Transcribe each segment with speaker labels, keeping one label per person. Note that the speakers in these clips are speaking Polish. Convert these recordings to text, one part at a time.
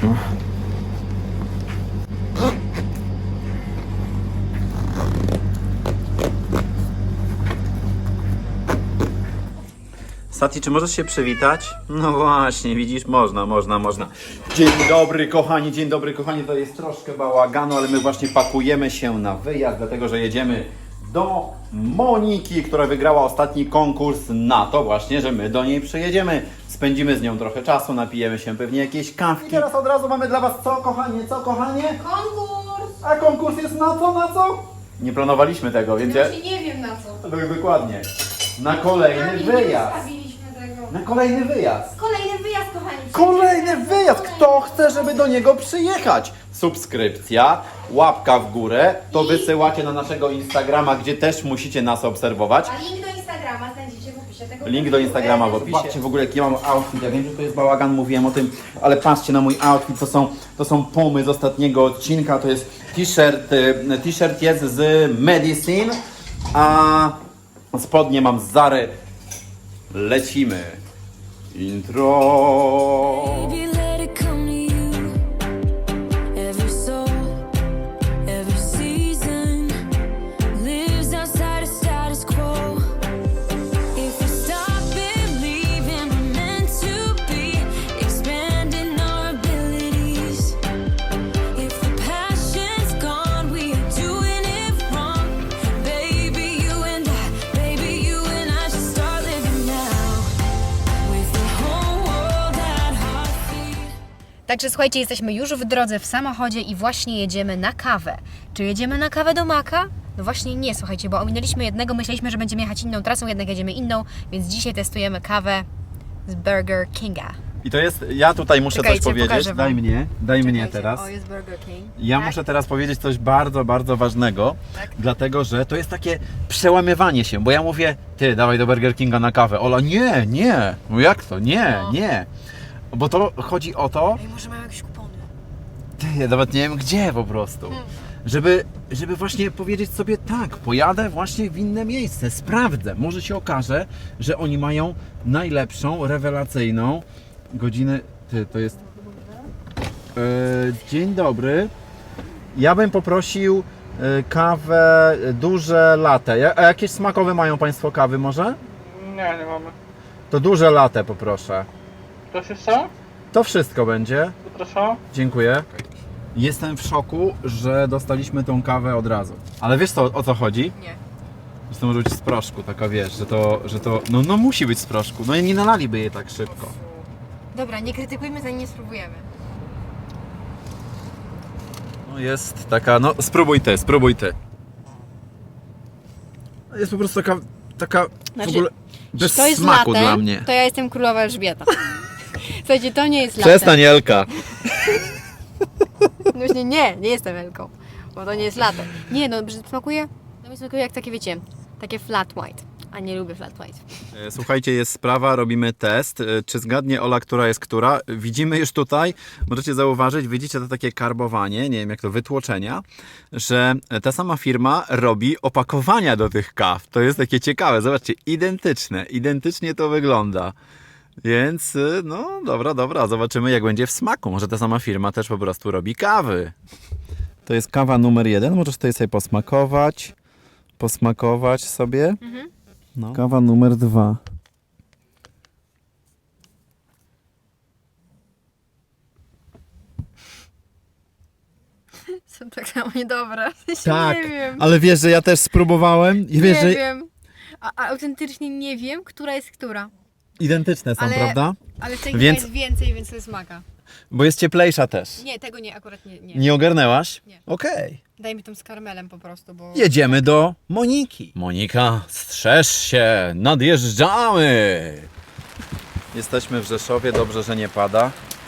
Speaker 1: Sati, czy możesz się przywitać? No właśnie, widzisz, można. Dzień dobry kochani, to jest troszkę bałaganu, ale my właśnie pakujemy się na wyjazd, dlatego że jedziemy do Moniki, która wygrała ostatni konkurs na to właśnie, że my do niej przyjedziemy. Spędzimy z nią trochę czasu, napijemy się pewnie jakieś kawki. I teraz od razu mamy dla was co, kochanie?
Speaker 2: Konkurs!
Speaker 1: A konkurs jest na co? Nie planowaliśmy tego, więc ja...
Speaker 2: Znaczy nie wiem na co.
Speaker 1: Dokładnie. Na kolejny wyjazd. Na kolejny wyjazd.
Speaker 2: Kolejny wyjazd, kochani.
Speaker 1: Kolejny wyjazd! Kto chce, żeby do niego przyjechać? Subskrypcja, łapka w górę, to wysyłacie na naszego Instagrama, gdzie też musicie nas obserwować.
Speaker 2: A link do Instagrama znajdziecie w opisie tego
Speaker 1: Link do Instagrama w opisie. Patrzcie w ogóle jaki mam outfit, ja wiem, że to jest bałagan, mówiłem o tym, ale patrzcie na mój outfit, to są pumy z ostatniego odcinka, to jest t-shirt jest z Medicine, a spodnie mam z Zary. Lecimy. Intro.
Speaker 3: Baby, let it come to you. Every soul, every season lives outside of status quo. If we stop believing we're meant to be, expanding our abilities. If the passion's gone, we are doing it wrong. Baby, you and I should start living now. With the whole world at our feet.
Speaker 4: Także słuchajcie, jesteśmy już w drodze w samochodzie i właśnie jedziemy na kawę. Czy jedziemy na kawę do Maka? No właśnie nie, słuchajcie, bo ominęliśmy jednego, myśleliśmy, że będziemy jechać inną trasą, jednak jedziemy inną, więc dzisiaj testujemy kawę z Burger Kinga.
Speaker 1: I to jest, ja tutaj muszę
Speaker 4: Czekajcie,
Speaker 1: coś powiedzieć.
Speaker 4: pokażę wam.
Speaker 1: Daj mnie teraz.
Speaker 4: O, jest Burger King.
Speaker 1: Ja
Speaker 4: Tak?
Speaker 1: muszę teraz powiedzieć coś bardzo, bardzo ważnego,
Speaker 4: Tak.
Speaker 1: dlatego że to jest takie przełamywanie się, bo ja mówię, ty dawaj do Burger Kinga na kawę. Ola, nie, no jak to, nie. Bo to chodzi o to,
Speaker 4: Ej, może mają jakieś kupony?
Speaker 1: ty, ja nawet nie wiem gdzie po prostu, żeby właśnie powiedzieć sobie tak, pojadę właśnie w inne miejsce, sprawdzę, może się okaże, że oni mają najlepszą, rewelacyjną godzinę, ty, to jest, dzień dobry, ja bym poprosił kawę duże latte, a jakieś smakowe mają Państwo kawy może?
Speaker 5: Nie mamy.
Speaker 1: To duże latte poproszę.
Speaker 5: Coś jeszcze?
Speaker 1: To wszystko będzie.
Speaker 5: Zapraszam.
Speaker 1: Dziękuję. Jestem w szoku, że dostaliśmy tą kawę od razu. Ale wiesz o co chodzi?
Speaker 4: Nie.
Speaker 1: Że to może być z proszku, taka wiesz, że to no musi być z proszku. No i nie nalaliby jej tak szybko.
Speaker 4: Dobra, nie krytykujmy, zanim nie spróbujemy.
Speaker 1: No jest taka, no spróbuj ty. Jest po prostu taka
Speaker 4: Znaczy,
Speaker 1: w ogóle bez
Speaker 4: to jest
Speaker 1: smaku
Speaker 4: latte,
Speaker 1: dla mnie.
Speaker 4: to ja jestem królowa Elżbieta. Słuchajcie, to nie jest latte.
Speaker 1: Przestań, Elka.
Speaker 4: Właśnie nie jestem Elką, bo to nie jest latte. Nie, no smakuje, no mi smakuje jak takie, wiecie, takie flat white, a nie lubię flat white.
Speaker 1: Słuchajcie, jest sprawa, robimy test. Czy zgadnie Ola, która jest która? Widzimy już tutaj, możecie zauważyć, widzicie to takie karbowanie, nie wiem jak to, wytłoczenia, że ta sama firma robi opakowania do tych kaw. To jest takie ciekawe, zobaczcie, identycznie to wygląda. Więc, no dobra, zobaczymy jak będzie w smaku. Może ta sama firma też po prostu robi kawy. To jest kawa numer 1, możesz tutaj sobie posmakować sobie. No. Kawa numer 2.
Speaker 4: Są tak samo niedobre.
Speaker 1: Tak,
Speaker 4: Nie wiem.
Speaker 1: ale wiesz, że ja też spróbowałem i wiesz,
Speaker 4: Nie
Speaker 1: że
Speaker 4: wiem. A autentycznie nie wiem, która jest która.
Speaker 1: identyczne są,
Speaker 4: Ale-
Speaker 1: prawda?
Speaker 4: Ale tej
Speaker 1: Więc-
Speaker 4: jest więcej, więc to jest maka.
Speaker 1: Bo jest cieplejsza też.
Speaker 4: Nie, tego nie, akurat nie.
Speaker 1: Nie ogarnęłaś?
Speaker 4: Nie.
Speaker 1: Okej.
Speaker 4: Daj mi tą z karmelem po prostu, bo...
Speaker 1: Jedziemy do Moniki. Monika, strzeż się, nadjeżdżamy. Jesteśmy w Rzeszowie, dobrze, że nie pada.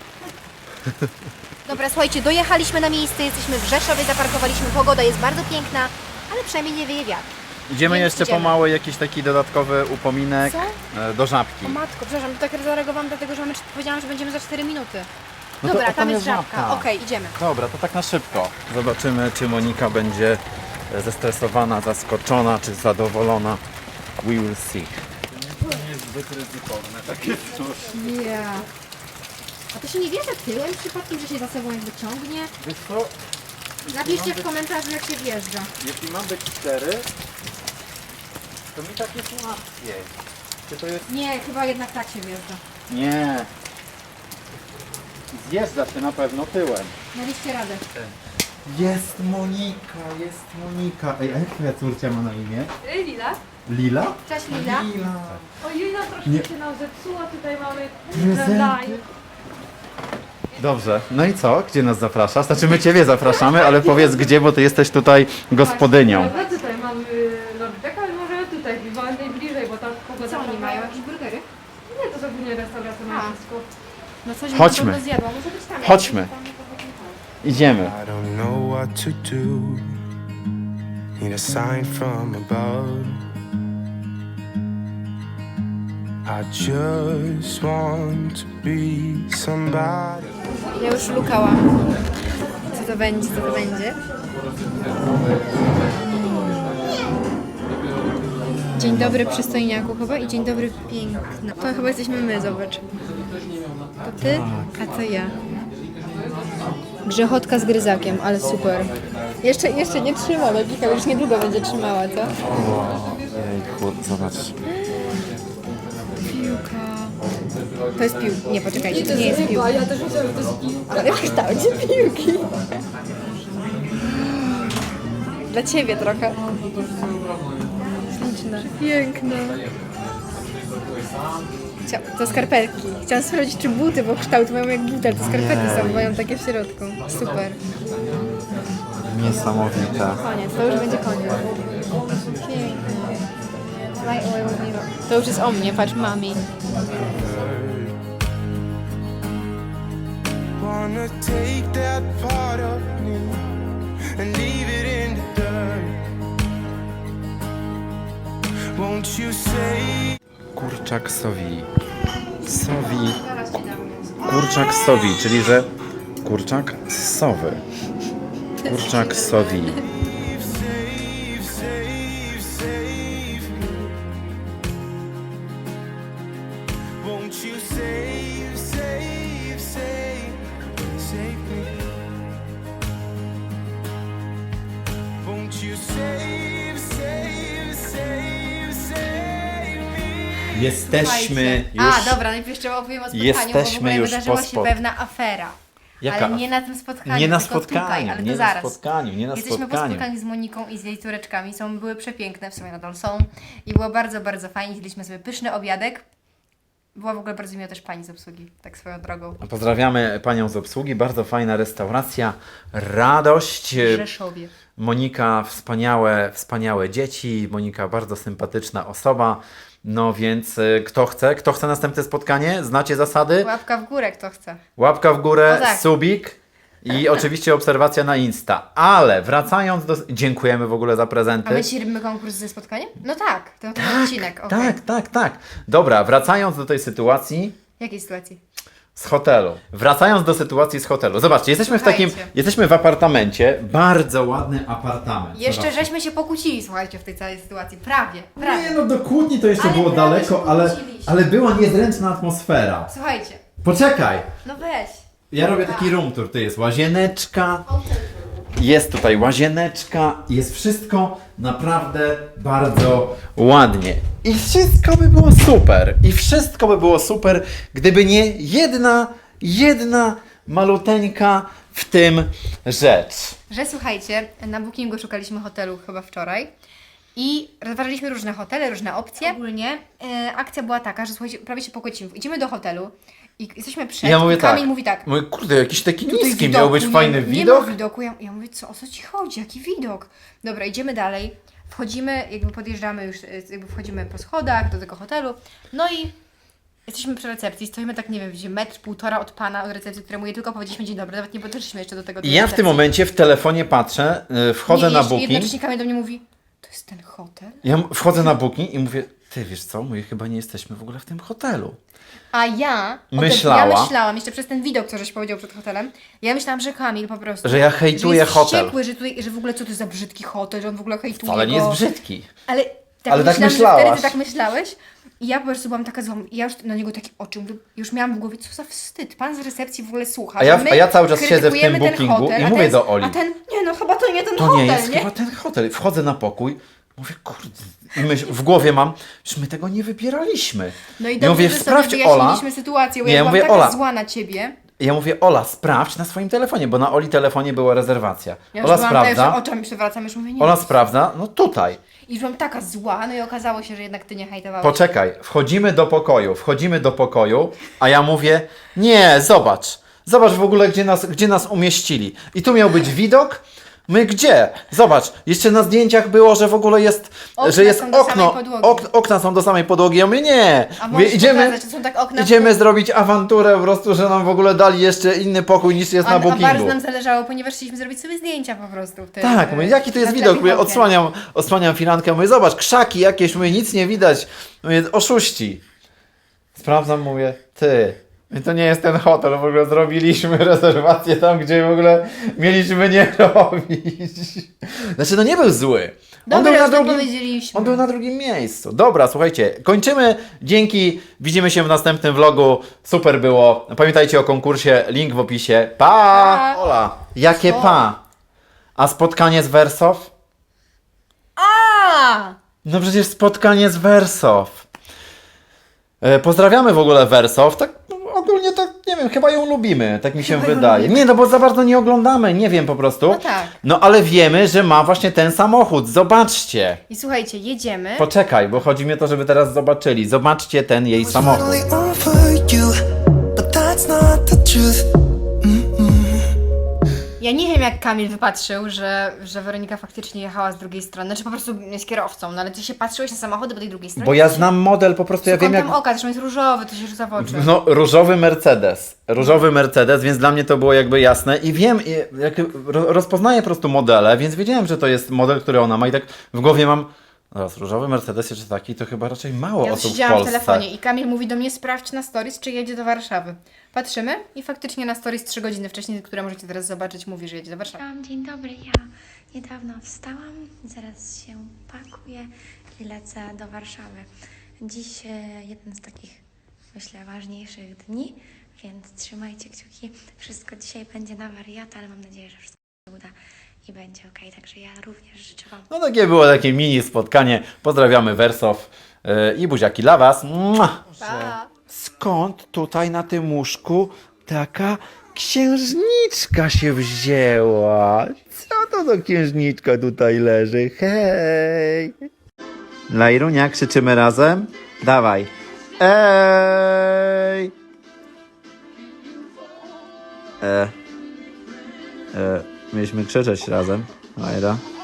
Speaker 4: Dobra, słuchajcie, dojechaliśmy na miejsce, jesteśmy w Rzeszowie, zaparkowaliśmy, pogoda jest bardzo piękna, ale przynajmniej nie wieje wiatr.
Speaker 1: Idziemy
Speaker 4: Więc
Speaker 1: jeszcze
Speaker 4: idziemy.
Speaker 1: pomału jakiś taki dodatkowy upominek do Żabki.
Speaker 4: O matko, przepraszam, tak zareagowałam dlatego, że powiedziałam, że będziemy za 4 minuty.
Speaker 1: No to-
Speaker 4: Dobra,
Speaker 1: to tam
Speaker 4: tam jest
Speaker 1: jest
Speaker 4: Żabka.
Speaker 1: Żabka.
Speaker 4: Okej, idziemy.
Speaker 1: Dobra, to tak na szybko. Zobaczymy, czy Monika będzie zestresowana, zaskoczona, czy zadowolona. We will see. To nie jest zbyt ryzykowne, takie coś.
Speaker 4: Yeah. A to się nie wjeżdża tyłem przypadkiem, że się za sobą jakby ciągnie?
Speaker 1: Wiesz co,
Speaker 4: Napiszcie w komentarzu, jak się wjeżdża.
Speaker 1: jeśli mam być szczery, to mi tak jest łatwiej. Czy to jest...
Speaker 4: Nie, chyba jednak tak się wjeżdża.
Speaker 1: Nie. Zjeżdża się na pewno tyłem.
Speaker 4: Daliście radę.
Speaker 1: Jest Monika. Ej, a jak twoja córcia ma na imię?
Speaker 2: Lila?
Speaker 1: Lila?
Speaker 4: Cześć Lila.
Speaker 1: Lila.
Speaker 2: Ojej, no troszkę
Speaker 1: Nie.
Speaker 2: się nam zepsuła. Tutaj mamy
Speaker 1: Prezenty. Dobrze, no i co? Gdzie nas zapraszasz? Znaczy my Ciebie zapraszamy, ale powiedz gdzie, bo Ty jesteś tutaj gospodynią.
Speaker 2: No tutaj mamy Lordeka, ale może tutaj, bo najbliżej, bo tam pogoda...
Speaker 4: Co oni mają? Jakieś burgery?
Speaker 2: Nie, to zupełnie restauracja ma wszystko.
Speaker 4: No coś
Speaker 1: Chodźmy.
Speaker 4: bym na pewno zjadła. Może być tam.
Speaker 1: Chodźmy. Idziemy.
Speaker 6: I don't know what to do. Need a sign from above. I just want to be somebody.
Speaker 4: Ja już lukałam. Co to będzie, co to będzie? Dzień dobry przystojniaku chyba i dzień dobry piękna. To chyba jesteśmy my, zobacz. To ty, a to ja. Grzechotka z gryzakiem, ale super. Jeszcze nie trzyma, Logika już niedługo będzie trzymała, co?
Speaker 1: Jejku, zobacz.
Speaker 4: Piłka. To jest piłka. Nie, poczekajcie, to nie jest piłka.
Speaker 2: Ja też myślałam, że to jest piłka.
Speaker 4: Ale w kształcie piłki. Dla ciebie trochę. Śliczna. Piękna. To skarpetki. Chciałam sprawdzić, czy buty, bo kształt mają jak buty, ale to skarpetki są, mają takie w środku. Super.
Speaker 1: Niesamowite.
Speaker 4: Koniec, to już będzie koniec. Piękne. To już jest o mnie, patrz, mami.
Speaker 6: Wanna take that part of me and leave it in the dirt. Won't you say?
Speaker 1: Kurczak sowi. Kurczak sowi, czyli że kurczak z sowy. Kurczak sowi.
Speaker 6: Save, save, save me. Won't you save, save, save, save me? Won't you save, save, save, save me?
Speaker 1: Jesteśmy już...
Speaker 4: A, dobra, najpierw jeszcze opowiem o spotkaniu,
Speaker 1: Jesteśmy
Speaker 4: bo w ogóle
Speaker 1: już
Speaker 4: wydarzyła
Speaker 1: po
Speaker 4: się
Speaker 1: spot-
Speaker 4: pewna afera.
Speaker 1: Jaka?
Speaker 4: Ale nie na tym spotkaniu,
Speaker 1: Nie na
Speaker 4: tylko
Speaker 1: spotkaniu,
Speaker 4: tutaj, ale
Speaker 1: nie
Speaker 4: to
Speaker 1: na
Speaker 4: zaraz.
Speaker 1: spotkaniu, nie na
Speaker 4: Jesteśmy po
Speaker 1: spotkaniu.
Speaker 4: spotkaniu z Moniką i z jej córeczkami. Były przepiękne, w sumie nadal są. I było bardzo, bardzo fajnie. Jedliśmy sobie pyszny obiadek. Była w ogóle bardzo miła też pani z obsługi, tak swoją drogą.
Speaker 1: Pozdrawiamy panią z obsługi, bardzo fajna restauracja, radość.
Speaker 4: W Rzeszowie.
Speaker 1: Monika, wspaniałe dzieci, Monika bardzo sympatyczna osoba. No więc kto chce następne spotkanie? Znacie zasady?
Speaker 4: Łapka w górę, kto chce.
Speaker 1: Łapka w górę,
Speaker 4: O tak.
Speaker 1: subik i oczywiście obserwacja na Insta. Ale wracając do... Dziękujemy w ogóle za prezenty.
Speaker 4: A my dzisiaj robimy konkurs ze spotkaniem? No tak, to ten odcinek. okej.
Speaker 1: Tak. Dobra, wracając do tej sytuacji
Speaker 4: Jakiej sytuacji?
Speaker 1: z hotelu. Wracając do sytuacji z hotelu. Zobaczcie,
Speaker 4: Słuchajcie.
Speaker 1: jesteśmy w apartamencie. Bardzo ładny apartament.
Speaker 4: Jeszcze
Speaker 1: Zobaczcie.
Speaker 4: żeśmy się pokłócili, słuchajcie, w tej całej sytuacji. Prawie.
Speaker 1: Nie no, do kłótni to jeszcze
Speaker 4: Ale
Speaker 1: było
Speaker 4: prawie
Speaker 1: daleko,
Speaker 4: się
Speaker 1: ale,
Speaker 4: pokłóciliśmy.
Speaker 1: ale była niezręczna atmosfera.
Speaker 4: Słuchajcie,
Speaker 1: Poczekaj!
Speaker 4: no weź.
Speaker 1: Ja robię taki room tour. Tu jest łazieneczka. Jest tutaj łazieneczka. Jest wszystko naprawdę bardzo ładnie. I wszystko by było super. I wszystko by było super, gdyby nie jedna maluteńka w tym rzecz.
Speaker 4: Że słuchajcie, na Bookingu szukaliśmy hotelu chyba wczoraj i rozważaliśmy różne hotele, różne opcje. Ogólnie akcja była taka, że słuchajcie, prawie się pokłócimy. Idziemy do hotelu i jesteśmy przed
Speaker 1: Ja mówię
Speaker 4: i Kamil
Speaker 1: tak.
Speaker 4: mówi tak.
Speaker 1: Mówię, kurde, jakiś taki
Speaker 4: Tutaj
Speaker 1: niski,
Speaker 4: widoku
Speaker 1: miał być fajny
Speaker 4: nie
Speaker 1: widok.
Speaker 4: ma widoku. Ja mówię, o co ci chodzi? Jaki widok? Dobra, idziemy dalej. Wchodzimy, jakby podjeżdżamy już, jakby wchodzimy po schodach do tego hotelu. No i jesteśmy przy recepcji, stoimy tak, nie wiem, gdzie metr, półtora od pana, od recepcji, któremu jej tylko powiedzieliśmy dzień dobry, nawet nie podeszliśmy jeszcze do tego.
Speaker 1: I
Speaker 4: tej
Speaker 1: ja w
Speaker 4: recepcji.
Speaker 1: tym momencie w telefonie patrzę, wchodzę
Speaker 4: Nie,
Speaker 1: na
Speaker 4: jeszcze
Speaker 1: Booking.
Speaker 4: jednocześnie Kamil do mnie mówi, to jest ten hotel?
Speaker 1: Ja wchodzę na Booking i mówię, ty wiesz co, mówię, chyba nie jesteśmy w ogóle w tym hotelu.
Speaker 4: A ja
Speaker 1: Myślała.
Speaker 4: Ja myślałam, jeszcze przez ten widok, co żeś powiedział przed hotelem, ja myślałam, że Kamil po prostu...
Speaker 1: Że ja hejtuję
Speaker 4: że jest
Speaker 1: hotel.
Speaker 4: wściekły, że w ogóle co to za brzydki hotel, że on w ogóle hejtuje
Speaker 1: Ale nie
Speaker 4: go.
Speaker 1: jest brzydki.
Speaker 4: Ale
Speaker 1: Ale tak
Speaker 4: myślałam, że
Speaker 1: myślałaś.
Speaker 4: wtedy ty tak myślałeś I ja po prostu byłam taka zła. I ja już na niego takie oczy, mówię, już miałam w głowie, co za wstyd. Pan z recepcji w ogóle słucha.
Speaker 1: A ja-
Speaker 4: że my
Speaker 1: a ja cały czas siedzę w tym
Speaker 4: krytykujemy ten
Speaker 1: bookingu
Speaker 4: hotel,
Speaker 1: i
Speaker 4: a
Speaker 1: mówię
Speaker 4: ten-
Speaker 1: do Oli.
Speaker 4: A ten, nie no, chyba to nie ten
Speaker 1: To
Speaker 4: hotel,
Speaker 1: nie jest
Speaker 4: nie?
Speaker 1: chyba ten hotel. Wchodzę na pokój, mówię, kurde. I w głowie mam, że my tego nie wybieraliśmy.
Speaker 4: No i
Speaker 1: Ja
Speaker 4: dobrze,
Speaker 1: mówię,
Speaker 4: że sobie
Speaker 1: sprawdź,
Speaker 4: wyjaśniliśmy
Speaker 1: Ola.
Speaker 4: sytuację, bo
Speaker 1: Nie,
Speaker 4: ja byłam
Speaker 1: mówię,
Speaker 4: taka
Speaker 1: Ola.
Speaker 4: zła na ciebie.
Speaker 1: Ja mówię, Ola, sprawdź na swoim telefonie, bo na Oli telefonie była rezerwacja.
Speaker 4: Ja już
Speaker 1: Ola
Speaker 4: byłam tak, że
Speaker 1: sprawdza,
Speaker 4: oczami przewracam, już mówię, nie.
Speaker 1: Ola sprawdza, no tutaj.
Speaker 4: I już byłam taka zła, no i okazało się, że jednak ty nie hejtowałeś.
Speaker 1: Poczekaj, wchodzimy do pokoju, a ja mówię, nie, zobacz w ogóle, gdzie nas umieścili. I tu miał być widok, my gdzie? Zobacz, jeszcze na zdjęciach było, że w ogóle jest,
Speaker 4: Okna
Speaker 1: że jest
Speaker 4: są do samej
Speaker 1: okno,
Speaker 4: podłogi.
Speaker 1: okna są do samej podłogi, ja mówię, nie.
Speaker 4: A
Speaker 1: Mówię,
Speaker 4: możesz pokazać, że są tak okna...
Speaker 1: idziemy zrobić awanturę po prostu, że nam w ogóle dali jeszcze inny pokój niż jest na
Speaker 4: A bardzo
Speaker 1: bookingu.
Speaker 4: nam zależało, ponieważ chcieliśmy zrobić sobie zdjęcia po prostu. W tym,
Speaker 1: Tak, mówię, jaki to jest
Speaker 4: na
Speaker 1: widok? Mówię,
Speaker 4: tle
Speaker 1: odsłaniam firankę, mówię, zobacz, krzaki jakieś, mówię, nic nie widać. Mówię, oszuści. Sprawdzam, mówię, ty, to nie jest ten hotel, w ogóle zrobiliśmy rezerwację tam, gdzie w ogóle mieliśmy nie robić. Znaczy, no nie był zły.
Speaker 4: Dobra, już to powiedzieliśmy.
Speaker 1: On był na drugim miejscu. Dobra, słuchajcie, kończymy. Dzięki, widzimy się w następnym vlogu. Super było. Pamiętajcie o konkursie, link w opisie. Pa!
Speaker 4: Pa!
Speaker 1: Ola, jakie pa? A spotkanie z Wersow?
Speaker 4: A!
Speaker 1: No przecież spotkanie z Wersow. Pozdrawiamy w ogóle Wersow. Tak no, ogólnie tak, nie wiem, chyba ją lubimy, tak mi się
Speaker 4: Chyba ją
Speaker 1: wydaje.
Speaker 4: lubimy.
Speaker 1: Nie, no bo za bardzo nie oglądamy, nie wiem po prostu.
Speaker 4: No tak.
Speaker 1: No ale wiemy, że ma właśnie ten samochód. Zobaczcie.
Speaker 4: I słuchajcie, jedziemy.
Speaker 1: Poczekaj, bo chodzi mi o to, żeby teraz zobaczyli. Zobaczcie ten jej samochód.
Speaker 6: Finally over you, but that's not the truth.
Speaker 4: Ja nie wiem, jak Kamil wypatrzył, że Weronika faktycznie jechała z drugiej strony. Znaczy po prostu jest kierowcą, no ale ty się patrzyłeś na samochody po tej drugiej stronie.
Speaker 1: Bo ja znam model, po prostu ja wiem jak...
Speaker 4: oka, zresztą jest różowy, to się rzuca w oczy.
Speaker 1: No, różowy Mercedes, więc dla mnie to było jakby jasne i wiem, rozpoznaję po prostu modele, więc wiedziałem, że to jest model, który ona ma i tak w głowie mam, zaraz, różowy Mercedes jeszcze taki, to chyba raczej mało
Speaker 4: Ja
Speaker 1: osób w
Speaker 4: siedziałam w
Speaker 1: Polsce.
Speaker 4: telefonie i Kamil mówi do mnie, sprawdź na stories, czy jedzie do Warszawy. Patrzymy i faktycznie na stories 3 godziny wcześniej, które możecie teraz zobaczyć, mówi, że jedzie do Warszawy.
Speaker 7: Dzień dobry, ja niedawno wstałam, zaraz się pakuję i lecę do Warszawy. Dziś jeden z takich, myślę, ważniejszych dni, więc trzymajcie kciuki. Wszystko dzisiaj będzie na wariata, ale mam nadzieję, że wszystko się uda i będzie ok. Także ja również życzę Wam.
Speaker 1: No takie było takie mini spotkanie, pozdrawiamy Wersow i buziaki dla Was. Mua!
Speaker 4: Pa!
Speaker 1: Skąd tutaj na tym łóżku taka księżniczka się wzięła? Co to za księżniczka tutaj leży? Hej! Lajrunia, krzyczymy razem? Dawaj. Ej! Mieliśmy krzyczeć razem. Lajra.